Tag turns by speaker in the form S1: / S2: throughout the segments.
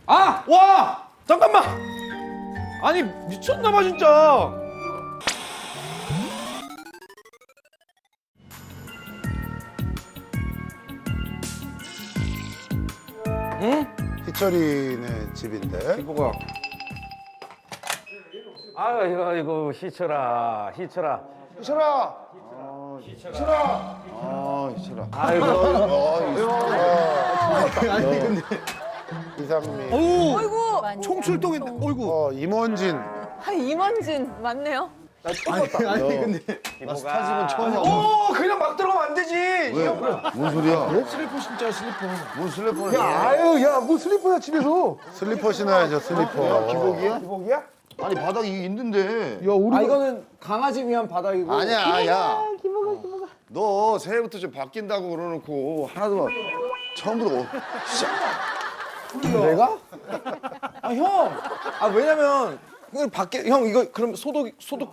S1: 아! 와! 잠깐만! 아니 미쳤나봐 진짜. 응?
S2: 희철이네 집인데.
S1: 이거가.
S3: 아이고 희철아.
S2: 희철아.
S3: 아이고.
S2: 아니 근데 이상민.
S4: 어이구.
S2: 총출동인데. 어이구. 임원진.
S4: 이만진 맞네요.
S3: 기부가
S1: 오 그냥 막 들어가면 안 되지.
S2: 뭔 소리야?
S1: 슬리퍼 신자 슬리퍼.
S2: 뭔 슬리퍼야?
S5: 아유, 야, 뭐 슬리퍼야 집에서?
S2: 슬리퍼 신어야죠 슬리퍼.
S5: 기복이야?
S2: 아니 바닥이 있는데.
S5: 야, 우리
S1: 이거는 강아지 위한 바닥이고.
S2: 아니야 야. 너 새해부터 좀 바뀐다고 그러놓고 하나도 처음부터
S1: 내가? 아 형. 아 왜냐면 이거 밖에 형 이거 그럼 소독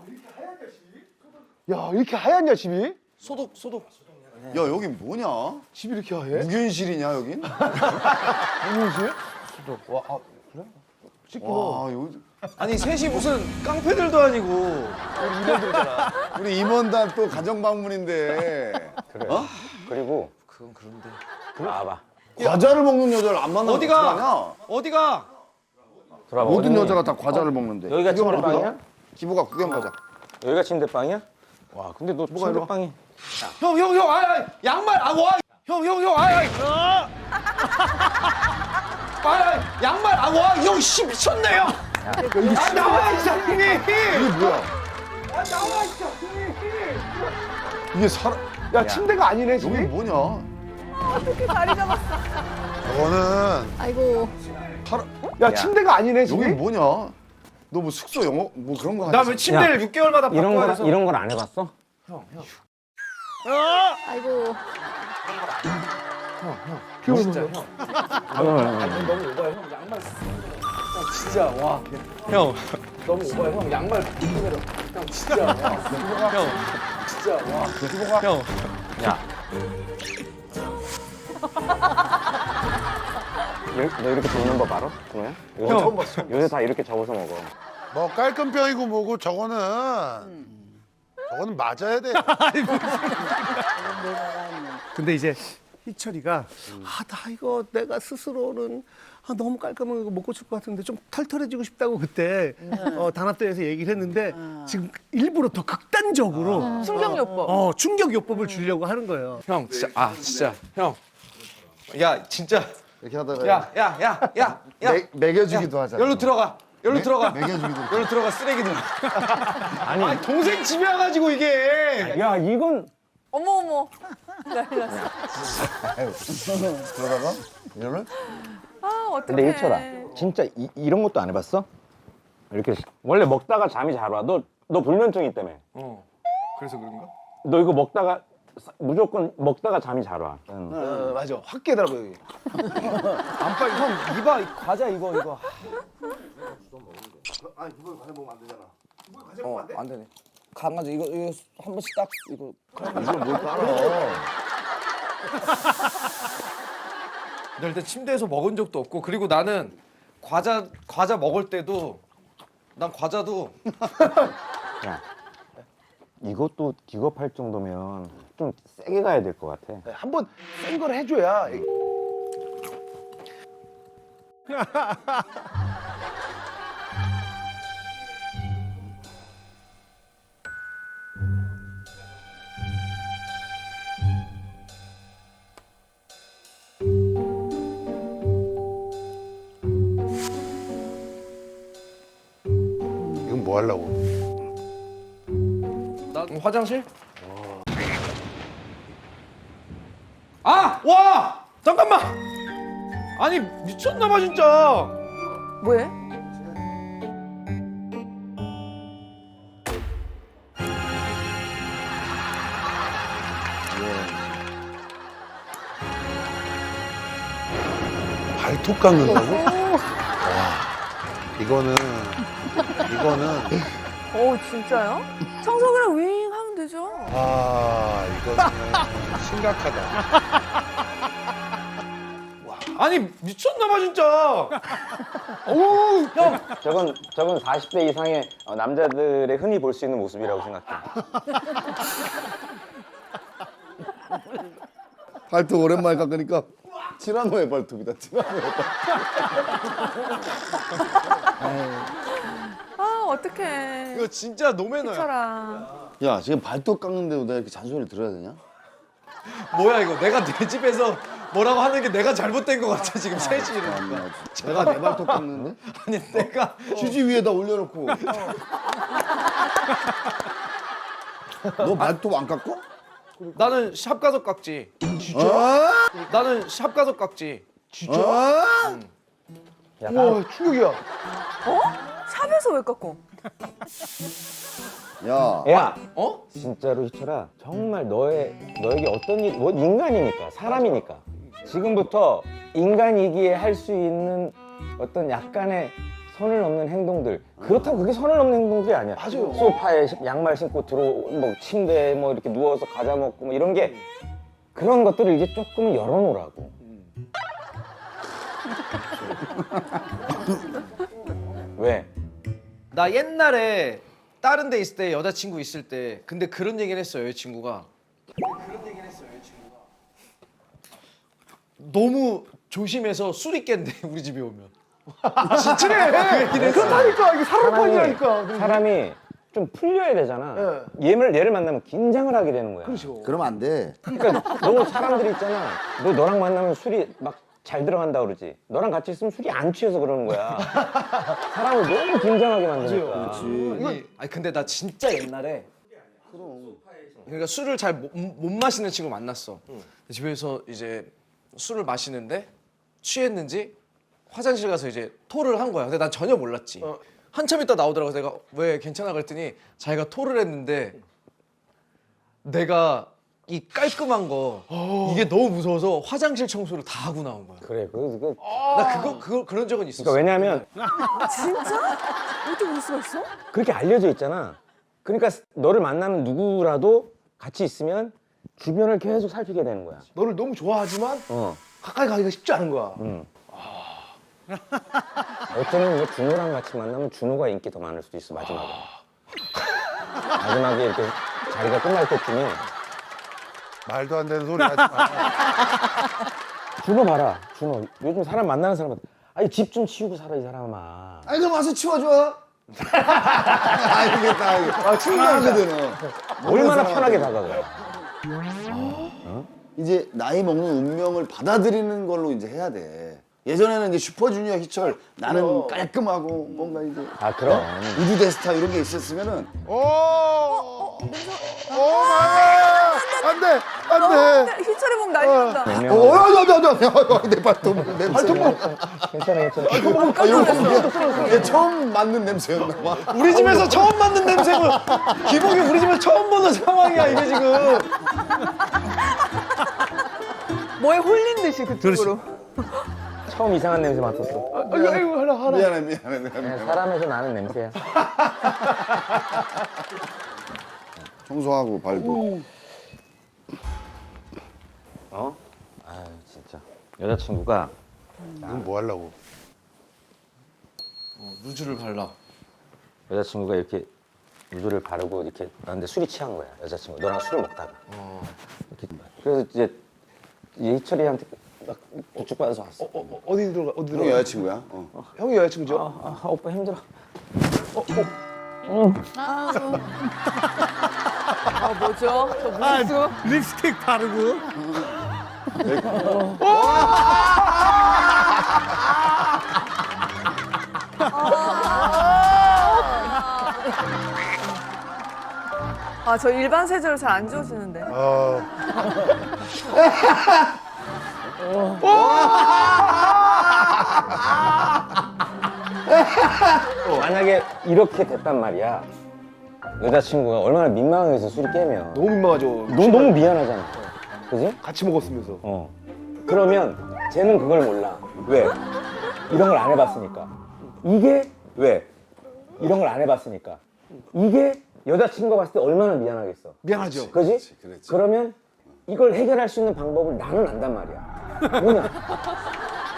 S5: 야, 이렇게 하얗냐 집이?
S1: 소독.
S2: 야 여긴 뭐냐?
S5: 집이 이렇게 하얘?
S2: 무균실이냐 여긴?
S5: 무슨
S2: 와 여기
S1: 아니 셋이 무슨 깡패들도 아니고.
S2: 우리 임원단 또 가정 방문인데.
S3: 그래.
S2: 어?
S3: 그리고
S1: 그건 그런데.
S3: 와봐.
S2: 과자를 먹는 여자를 안 만나면
S1: 어디가?
S2: 어떡하냐?
S1: 어디가?
S3: 들어봐.
S2: 모든
S3: 어디?
S2: 여자가 다 과자를 먹는데.
S3: 여기가
S2: 구경
S3: 침대방이야?
S2: 가자. 기부가 구경 가자.
S3: 여기가 침대방이야? 와 근데 너 침대방이
S1: 형 양말 와. 형 양말 와. 형 씨 미쳤네 형. 나와 이 자식이.
S2: 이게 뭐야?
S1: 나와 이 자식이.
S2: 이게 사람?
S5: 야, 침대가 아니네 집이?
S2: 여기 뭐냐?
S4: 어떻게 자리 잡았어?
S2: 저거는
S4: 아이고.
S5: 야, 침대가 아니네
S2: 여기
S5: 집이?
S2: 뭐냐? 너 뭐 숙소 영어 뭐 그런 거 하지?
S1: 나 왜 침대를 6개월마다
S3: 이런
S1: 바꿔야
S3: 걸
S1: 돼서.
S3: 이런 걸 안 해봤어?
S4: 아이고.
S1: 진짜 형. 너무 오버해 형 양말. 진짜 와. 형 너무 오버해 형 양말 내려. 형 진짜 와. 형 진짜 와. 형.
S3: 야. 너 이렇게 접는 법 알아? 준호야? 이거
S1: 형.
S3: 처음 봤어. 요새 다 이렇게 접어서 먹어.
S2: 뭐 깔끔병이고 뭐고 저거는 맞아야 돼.
S5: 근데 이제 희철이가 나 이거 내가 스스로는 너무 깔끔한 거 못 고칠 것 같은데 좀 털털해지고 싶다고 그때 단합대에서 얘기를 했는데 지금 일부러 더 극단적으로
S4: 충격요법.
S5: 충격요법을 주려고 하는 거예요.
S1: 형 진짜 진짜 형. 야 진짜.
S2: 이렇게 하다가
S1: 야.
S2: 먹여주기도 하자.
S1: 열로 들어가. 열로 들어가.
S2: 먹여주기도.
S1: 열로 들어가 쓰레기들.
S3: 아니,
S1: 아니 동생 집에 와가지고 이게.
S3: 야 이건
S4: 어머. 난리 났어.
S2: 그러다가 이거를
S4: 아 어떡해.
S3: 근데 희철아 진짜 이런 것도 안 해봤어? 이렇게 원래 먹다가 잠이 잘 와. 너 불면증 있다며.
S1: 그래서 그런가?
S3: 너 이거 먹다가 무조건 먹다가 잠이 잘 와.
S5: 맞아. 확 깨더라고 여기.
S1: 안빨 형 이봐 이 과자 이거.
S2: 아니 그걸 과자 먹으면 안 되잖아.
S1: 안 되네. 강아지 이거 한 번씩 딱 이거.
S2: 이걸 뭘 따라?
S1: 나 일단 침대에서 먹은 적도 없고 그리고 나는 과자 먹을 때도 난 과자도
S3: 야, 이것도 기겁할 정도면 좀 세게 가야 될 것 같아.
S5: 한번 센 걸 해줘야.
S2: 이건 뭐 하려고?
S1: 나 화장실? 와! 잠깐만! 아니 미쳤나봐 진짜.
S4: 뭐해?
S2: 발톱 깎는다고? 이거는
S4: 진짜요? 청소기랑 윙 하면 되죠.
S2: 이거는 심각하다.
S1: 아니 미쳤나봐 진짜. 어우 형.
S3: 저건 40대 이상의 남자들의 흔히 볼 수 있는 모습이라고 생각해.
S2: 발톱 오랜만에 깎으니까 티라노의 발톱이다. 티라노의 발톱.
S4: 아 어떡해.
S1: 이거 진짜 노매너야.
S4: 희철아.
S2: 야 지금 발톱 깎는데도 내가 이렇게 잔소리를 들어야 되냐?
S1: 뭐야 이거 내가 내 집에서 뭐라고 하는 게 내가 잘못된 것 같아 지금 셋이 이러니까.
S2: 내가 내 발톱 깎는데?
S1: 아니 내가
S2: 휴지 위에다 올려놓고. 너 발톱 안 깎어?
S1: 나는 샵 가서 깎지.
S2: 어?
S1: 나는 샵 가서 깎지.
S2: 어?
S3: 야,
S1: 충격이야.
S4: 어? 샵에서 왜 깎고?
S2: 야.
S3: 야,
S1: 어?
S3: 진짜로 희철아, 정말 너에게 어떤 일, 뭐 인간이니까, 사람이니까 지금부터 인간이기에 할 수 있는 어떤 약간의 선을 넘는 행동들. 그렇다고 그게 선을 넘는 행동들이 아니야.
S1: 맞아요.
S3: 소파에 양말 신고 뭐 침대에 뭐 이렇게 누워서 과자 먹고 뭐 이런 게 그런 것들을 이제 조금은 열어놓으라고. 왜?
S1: 나 옛날에 다른 데 있을 때 여자친구 있을 때 근데 그런 얘기를 했어요 여자친구가. 너무 조심해서 술이 깬대 우리 집에 오면. 진짜
S5: 그렇다니까 이게 사람판이라니까.
S3: 사람이 좀 풀려야 되잖아. 얘를 만나면 긴장을 하게 되는 거야.
S5: 그렇죠.
S2: 그러면 안 돼.
S3: 그러니까 너무 사람들이 있잖아. 너랑 만나면 술이 막 잘 들어간다 그러지. 너랑 같이 있으면 술이 안 취해서 그러는 거야. 사람을 너무 긴장하게 만드니까.
S1: 아니 근데 나 진짜 옛날에 그러니까 술을 잘 못 마시는 친구 만났어. 집에서 이제 술을 마시는데 취했는지 화장실 가서 이제 토를 한 거야. 근데 난 전혀 몰랐지. 한참 있다 나오더라고. 내가 왜 괜찮아 그랬더니 자기가 토를 했는데 내가 이 깔끔한 거 이게 너무 무서워서 화장실 청소를 다 하고 나온 거야.
S3: 그래.
S1: 나 그런 적은 있었어.
S3: 그러니까 왜냐면
S4: 진짜? 어떻게 그럴 수가 있어?
S3: 그렇게 알려져 있잖아. 그러니까 너를 만나는 누구라도 같이 있으면 주변을 계속 살피게 되는 거야.
S5: 너를 너무 좋아하지만
S3: 어.
S5: 가까이 가기가 쉽지 않은 거야.
S3: 어쩌면 이제 준호랑 같이 만나면 준호가 인기 더 많을 수도 있어 마지막에. 마지막에 이렇게 자리가 끝날 때쯤에
S2: 말도 안 되는 소리 하지 마.
S3: 준호 봐라. 준호 요즘 사람 만나는 사람한테 아니 집 좀 치우고 살아 이 사람아.
S2: 아니 그럼 와서 치워줘. 알겠다. 아 치워하거든.
S3: 얼마나 편하게 다가가.
S2: 이제 나이 먹는 운명을 받아들이는 걸로 이제 해야 돼. 예전에는 이제 슈퍼주니어 희철 나는 깔끔하고 뭔가 이제
S3: 아 그럼.
S2: 우주 대스타 이런 게 있었으면은 안돼 안돼.
S4: 희철이 몸 난리 난다.
S2: 내 발톱 냄새.
S3: 괜찮아.
S2: 아 이거 얘 처음 맡는 냄새였나 봐.
S1: 우리 집에서 처음 맡는 냄새고 기복이 우리 집에서 처음 보는 상황이야 이게 지금.
S4: 뭐에 홀린 듯이 그쪽으로.
S3: 처음 이상한 냄새 맡았어.
S5: 아이고 하나.
S2: 미안해.
S3: 그냥 사람에서 나는 냄새야.
S2: 청소하고 발도.
S3: 어? 아유 진짜. 여자친구가
S2: 넌 뭐 하려고?
S1: 루즈를 발라.
S3: 여자친구가 이렇게 루즈를 바르고 이렇게 나한테 술이 취한 거야. 여자친구 너랑 술을 먹다가. 이렇게 그래서 이제 희철이한테 막 부축받아서 왔어.
S5: 어디 들어가?
S2: 형 여자친구야?
S5: 형이 여자친구죠?
S3: 오빠 힘들어.
S4: 아 뭐죠? 저 무슨
S5: 립스틱 바르고.
S4: 아저 일반 세제로 잘 안 지워지는데.
S3: 만약에 이렇게 됐단 말이야. 여자친구가 얼마나 민망해서 술이 깨면
S5: 너무 민망하죠.
S3: 너무 미안하잖아. 그지?
S5: 같이 먹었으면서.
S3: 그러면 쟤는 그걸 몰라. 왜? 이런 걸 안 해봤으니까. 이게 왜? 이런 걸 안 해봤으니까. 이게 여자친구가 봤을 때 얼마나 미안하겠어.
S5: 미안하죠.
S3: 그지?
S2: 그렇지.
S3: 그러면 이걸 해결할 수 있는 방법을 나는 안단 말이야. 뭐냐?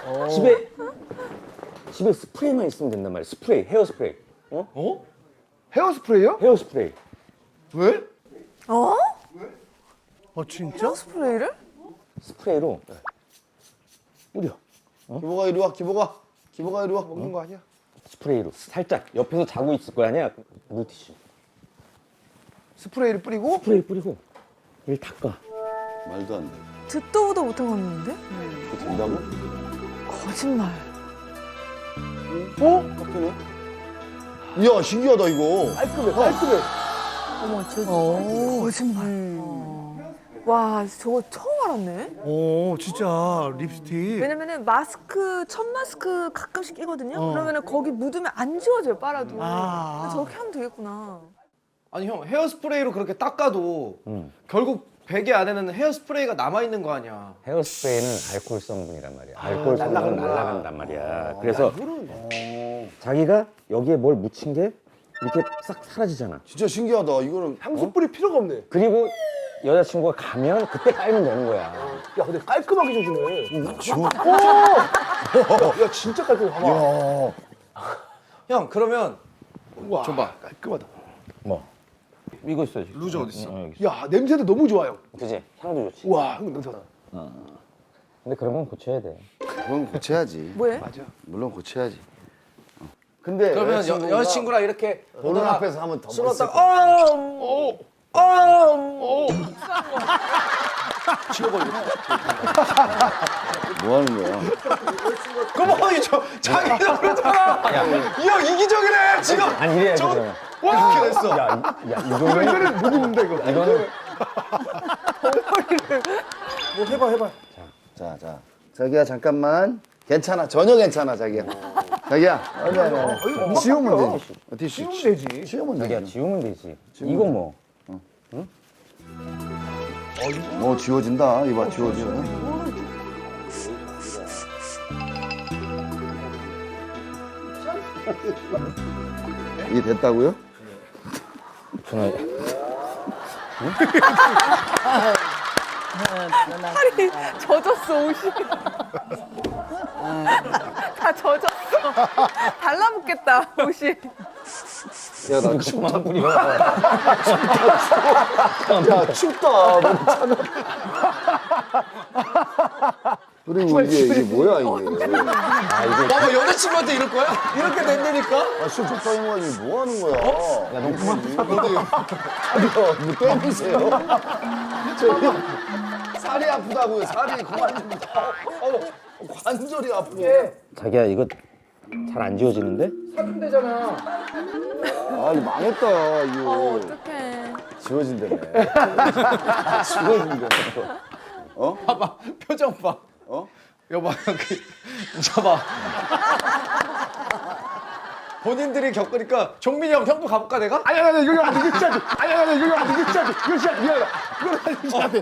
S3: 집에 스프레이만 있으면 된단 말이야. 스프레이, 헤어 스프레이.
S5: 헤어스프레이요?
S3: 헤어 스프레이.
S5: 왜?
S4: 어?
S5: 진짜?
S4: 스프레이를?
S3: 스프레이로 뿌려.
S2: 기보가 이리 와, 기보가 이리 와.
S5: 먹는 거 아니야?
S3: 스프레이로 살짝 옆에서 자고 있을 거 아니야. 물티슈.
S5: 스프레이를 뿌리고
S3: 스프레이 뿌리고 이를 닦아.
S2: 말도 안 돼.
S4: 듣도 보도 못한 건데?
S2: 그게 된다고?
S4: 거짓말.
S2: 깎이네. 이야, 신기하다 이거.
S5: 깔끔해.
S4: 어머, 저 거짓말. 와, 저거 처음 알았네.
S5: 오, 진짜 립스틱.
S4: 왜냐면은 마스크, 첫 마스크 가끔씩 끼거든요. 그러면은 거기 묻으면 안 지워져요, 빨아도.
S5: 아.
S4: 저렇게 하면 되겠구나.
S1: 아니 형 헤어스프레이로 그렇게 닦아도 결국 베개 안에는 헤어스프레이가 남아 있는 거 아니야.
S3: 헤어 스프레이는 알코올 성분이란 말이야. 알코올 성분은 날아간단 말이야. 그래서 자기가 여기에 뭘 묻힌 게 이렇게 싹 사라지잖아.
S2: 진짜 신기하다. 이거는
S5: 향수 뿌릴 필요가 없네.
S3: 그리고 여자친구가 가면 그때 깔면 되는 거야.
S5: 야, 근데 깔끔하게 줘주네. 야, 진짜 깔끔해. 봐봐.
S2: 야,
S1: 형 그러면
S5: 우와, 줘봐. 깔끔하다.
S3: 뭐? 이거 있어.
S1: 루저 어디 있어?
S3: 여기 있어.
S5: 야, 냄새도 너무 좋아요.
S3: 그지? 향도 좋지.
S5: 우와, 향 냄새나.
S3: 근데 그런 건 고쳐야 돼.
S2: 그건 고쳐야지.
S4: 뭐해?
S5: 맞아.
S2: 물론 고쳐야지. 근데
S1: 그러면 여자친구랑 이렇게
S2: 보는 앞에서 하면 더
S1: 술
S2: 멋있을
S1: 먹다가
S2: 거야. 뭐 하는 거야?
S1: 그만 저 자기가 그러잖아. 이 형 이기적이네 지금.
S3: 아니 이래야지
S1: 저-
S3: 그러면.
S1: 와 이렇게 됐어.
S3: 야 이거는
S5: 이거는 못 입는다, 이거.
S3: 이거는
S5: 뭐 해봐.
S2: 자, 자기야 잠깐만. 괜찮아, 전혀 괜찮아, 자기야. 자기야, 아니. 지우면 되지. 티슈.
S5: 지우면 되지.
S2: 지우면
S3: 자기야
S2: 되지.
S3: 지우면 되지. 이거 뭐?
S2: 뭐 지워진다. 이봐, 지워져. 이게 됐다고요?
S3: 저는
S4: 팔이 젖었어, 옷이. 다 젖었어. 달라붙겠다, 옷이.
S2: 야, 나
S3: 그만 뿌려.
S2: 야, 춥다. 너무 차가. 그리고 이게 뭐야, 이게.
S1: 봐봐 여자친구한테 이럴 거야? 이렇게 된다니까?
S2: 아, 술 적당히 먹어야지. 뭐 하는 거야? 야, 너 그만 뭐 때리세요? 저기, 살이 아프다고요, 살이. 그만 좀. 관절이 아프고.
S3: 자기야 이거 잘 안 지워지는데?
S2: 아, 이거 망했다, 이거.
S4: 어떡해.
S2: 지워진다네. 지워진다네. 어?
S1: 봐봐 표정 봐.
S2: 어?
S1: 여봐 잡아. 본인들이 겪으니까 종민이 형 형도 가볼까 내가?
S5: 아니, 이거 안 돼. 이거 진짜 안 돼. 아니, 이거 안 돼. 이거 진짜 안 돼. 이거 진짜 미안하다. 이거 진짜 안 돼.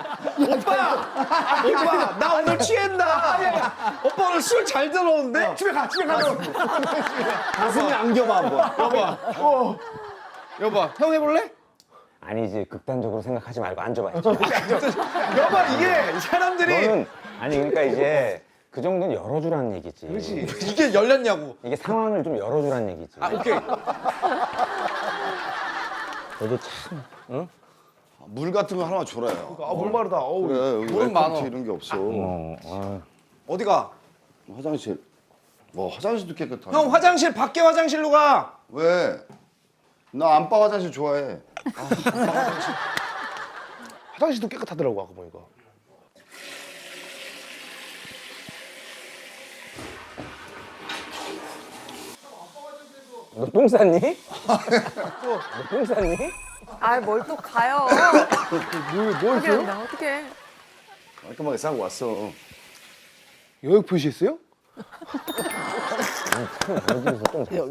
S1: 오빠 나 오늘 취했나? 오빠 오늘 술 잘 들어오는데?
S5: 집에 가.
S2: 가슴이 안겨봐, 한번.
S1: 여봐 형 해볼래?
S3: 아니지 극단적으로 생각하지 말고 앉아봐.
S1: 여봐 이게 사람들이
S3: 너는 아니 그러니까 이제 그 정도는 열어주라는 얘기지.
S1: 이게 열렸냐고.
S3: 이게 상황을 좀 열어주라는 얘기지.
S1: 아 오케이.
S3: 너도 참, 응?
S2: 물 같은 거 하나만 줘라요.
S5: 아, 물 마르다. 어우.
S2: 그래, 여기
S1: 물은 많어.
S2: 웰컴티 이런 게 없어.
S1: 어디가?
S2: 화장실. 뭐 화장실도 깨끗하네.
S1: 형 화장실 밖에 화장실로 가.
S2: 왜? 나 안방 화장실 좋아해.
S5: 화장실도 깨끗하더라고, 아까 보니까.
S3: 너 똥 쌌니? 너 똥 쌌니?
S4: 아, 뭘 또 가요.
S5: 뭘
S4: 어떻게 된다, 어떡해.
S2: 깔끔하게 싸고 왔어.
S5: 여기 표시했어요?
S3: 여기서 똥 쌌어.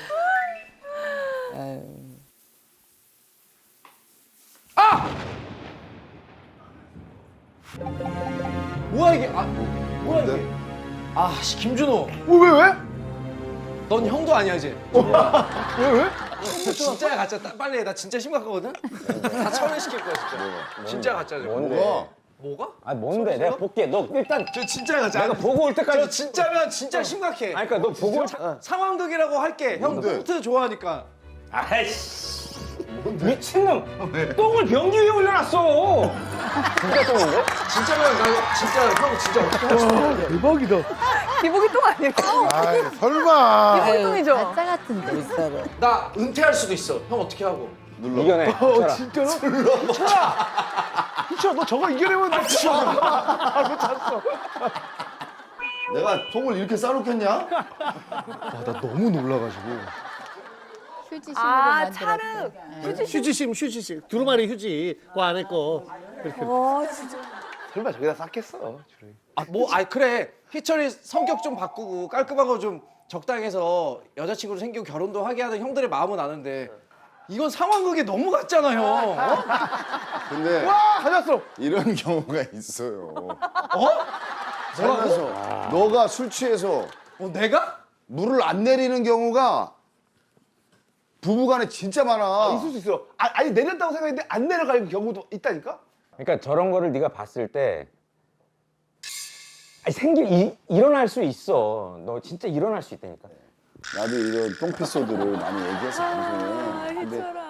S1: 뭐야 이게? 아 뭐야 이게? 아씨 김준호.
S5: 왜?
S1: 넌 형도 아니야 이제.
S5: 왜?
S1: 진짜야 가짜. 빨리 해. 나 진짜 심각하거든. 다 처리시킬 거야 진짜. 진짜 가짜죠.
S3: 뭔데?
S2: 뭐가?
S1: 뭐가?
S3: 아 뭔데? 내가 볼게. 너 일단
S1: 저 진짜야.
S3: 내가 보고 올 때까지.
S1: 저 진짜면 진짜 심각해.
S3: 아니 그러니까 너 보고 올
S1: 상황극이라고 할게. 형
S2: 뭔데?
S1: 꽁트 좋아하니까.
S3: 아이씨. 미친놈! 똥을 변기 위에 올려놨어! 진짜 똥인데?
S1: 진짜면 나 진짜 형 진짜 어떻게 할지
S5: 대박이다.
S4: 기복이 똥 아니에요?
S2: 아이 설마.
S4: 기복이 똥이죠?
S6: 가짜 같은데.
S1: 나 은퇴할 수도 있어. 형 어떻게 하고?
S3: 이겨내.
S5: 진짜로? 희철아, 너 저거 이겨내면 너
S2: 내가 통을 이렇게 싸놓겠냐? 나 너무 놀라가지고.
S6: 휴지심으로
S4: 아,
S6: 만들었대.
S4: 차를
S5: 휴지심, 휴지심. 두루마리 휴지. 그 안에 거. 이렇게.
S4: 와, 진짜.
S5: 설마 저기다 쌌겠어.
S1: 그래. 희철이 성격 좀 바꾸고 깔끔한 거 좀 적당해서 여자친구도 생기고 결혼도 하게 하는 형들의 마음은 아는데 이건 상황극에 너무 같잖아, 형. 어?
S2: 근데
S5: 가졌어.
S2: 이런 경우가 있어요. 살면서 너가 술 취해서
S1: 내가?
S2: 물을 안 내리는 경우가 부부간에 진짜 많아.
S5: 있을 수 있어. 아니 내렸다고 생각했는데 안 내려갈 경우도 있다니까?
S3: 그러니까 저런 거를 네가 봤을 때 아니, 일어날 수 있어. 너 진짜 일어날 수 있다니까.
S2: 나도 이런 똥피소드를 많이 얘기했어 방송에. 근데
S4: 희철아.